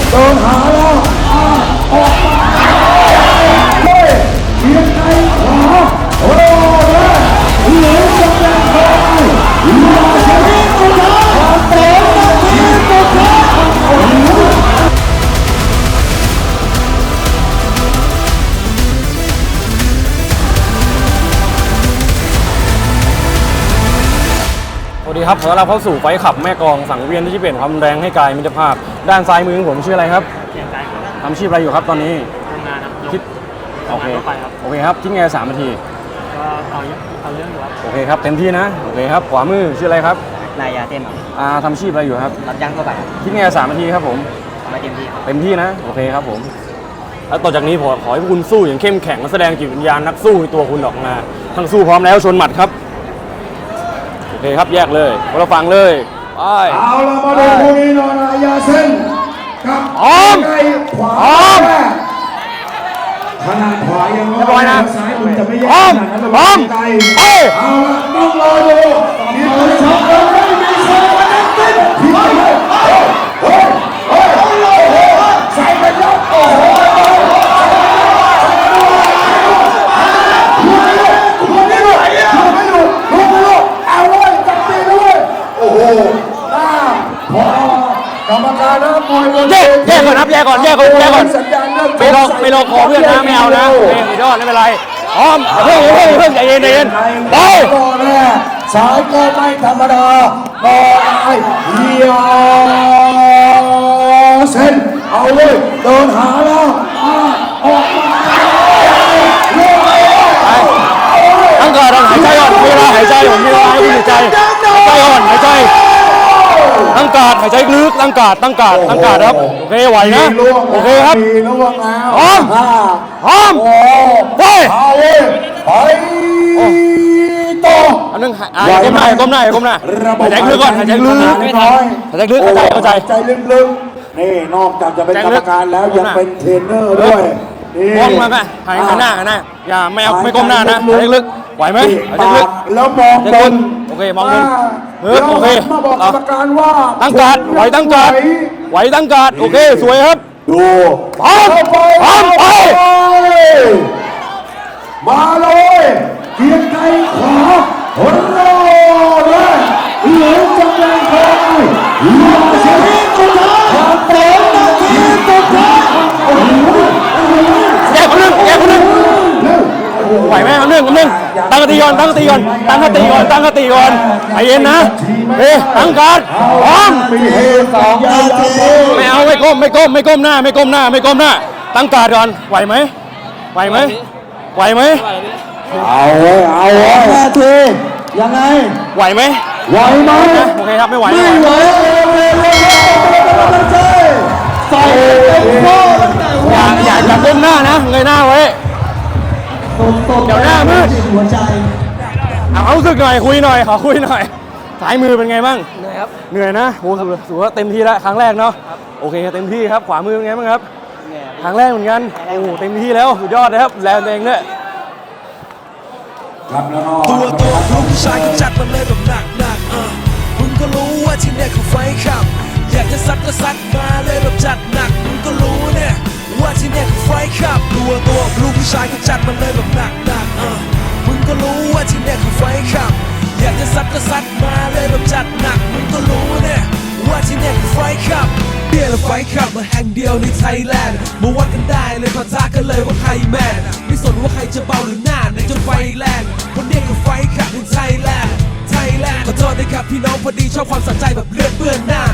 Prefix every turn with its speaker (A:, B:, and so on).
A: โดนหาแล้วออกมาเลยเอียงในขวาโอ้ยเหลือจะเป็นใครมาเสียงตัวท้ายเตะทีมตัวท้าย
B: สวัสดีครับขอต้อนรับเข้าสู่ไฟขับแม่กองสังเวียนที่เปลี่ยนความแรงให้กายมิตรภาพด้านซ้ายมือของผมชื่ออะไรครับทำอาชีพอะไรอยู่ครับตอนนี้
C: ทำงานครับ
B: คิดโอเคโอเคครับคิดไง3 นาที
C: ก็เอาเรื่องอยู่ครับ
B: โอเคครับเต็มที่นะโอเคครับขวามือชื่ออะไรครับ
C: นายยาเต้นครับ
B: ทำอาชีพอะไรอยู่ครับ
C: รับจ้างทั่วไป
B: คิดไง3 นาทีครับผม
C: มาเต็มที่
B: เต็มที่นะโอเคครับผมแล้วต่อจากนี้ขอให้พวกคุณสู้อย่างเข้มแข็งและแสดงจิตวิญญาณนักสู้ในตัวคุณออกมาทั้งสู้พร้อมแล้วชนหมัดครับโอเคครับแยกเลยคนละฝั่งเลยไป
A: เอาละมาดูคู่นี้หน่อยนะยาเส้นกับไก่ขวาขนาดขวายังร้อยนะซ้ายมันจะไม่แย่ขนาดนั้นเลยไก่เอาละต้องรอดูมีคนชอบเลยมีโซ่นักเต้นที่ไหนใส่ไปแล้วโอ้โหกรรมการนะมวย
B: แยกก่อนครับแยกก่อนไม่รอคอเพื่อนนะไม่เอานะโอเคสุดยอดไม่เป็นไรพร้อมเพิ่งใจเย็นไป
A: ก็แน่สายก็ไม่ธรรมดาก็ได้เฮียเส้นเอาเลยโดนหาแล้วออกมา
B: ตั้งก่อนหายใจก่อนมีเวลาหายใจผมมีเวลาให้คุณหายใจก่อนหายใจตั้งการหายใจลึกตั้งการครับโอเคไหวนะโอเคครับพร้อมไป
A: ต่อ
B: อันนึงก้มหน้าหายใจลึกก่อนหายใจลึกเข้าใจ
A: ใจลึกๆนี่นอกจากจะเป็นกรรมการแล้วยังเป็นเทรนเนอร์ด้วย
B: มองมาหันหน้าอย่าไม่ก้มหน้านะหายใจลึกไหวไหมหายใจลึก
A: แล้วมองบน
B: โอเคมองบนโอเค
A: มาบอกกรรมการว่า
B: ตั้งการไหวตั้งการโอเคสวยครับ
A: ดู
B: พร้อมไป
A: มาเลยเกียร์ไกขวาหัวโร่เลยเหลือจังแรงคอยมาเสียงตัวท้ายเตะทีมตัวท้าย
B: แยกคนหนึ่งไหวไหมคนหนึ่งตั้งสติก่อนใจเย็นนะตั้งการพร้อมไม่เอาไม่ก้มหน้าตั้งการก่อนไหวไหม
A: เอา5 ทียังไง
B: ไหวไหมโอเคครับไม่ไหว
A: ใส่
B: อย่าก้มหน้านะเงยหน้าไว้เดี๋ยวหน้ามืด
A: หัวใจ
B: เอารู้สึกหน่อยคุยหน่อยสายมือเป็นไงบ้าง
C: เหนื่อยครับ
B: เหนื่อยนะโอ้ถือว่าเต็มที่แล้วครั้งแรกเนาะโอเคเต็มที่ครับขวามือเป็นไงบ้างครับครั้งแรกเหมือนกันโอ้เต็มที่แล้วสุดยอดนะครับแรงเองด้วย
D: ตัวลูกชายก็จัดมาเลยแบบหนักมึงก็รู้ว่าที่เนี่ยคือไฟขับอยากจะซัดก็ซัดมาเลยแบบจัดหนักมึงก็รู้เนี่ยว่าที่เนี่ยคือไฟขับตัวลูกผู้ชายก็จัดมาเลยแบบหนักมึงก็รู้ว่าที่เนี่ยคือไฟขับอยากจะซัดก็ซัดมาเลยแบบจัดหนักมึงก็รู้เนี่ยว่าที่เนี่ยคือไฟขับเดียวและไฟขับมาแห่งเดียวในไทยแลนด์มาวัดกันได้เลยปะทะกันเลยว่าใครแมนไม่สนว่าใครจะเบาหรือหน้าในจนไฟแรงคนเนี้ยคือไฟขับในไทยแลนด์ขอโทษนะครับพี่น้องพอดีชอบความสนใจแบบเลือดเปื้อนหน้า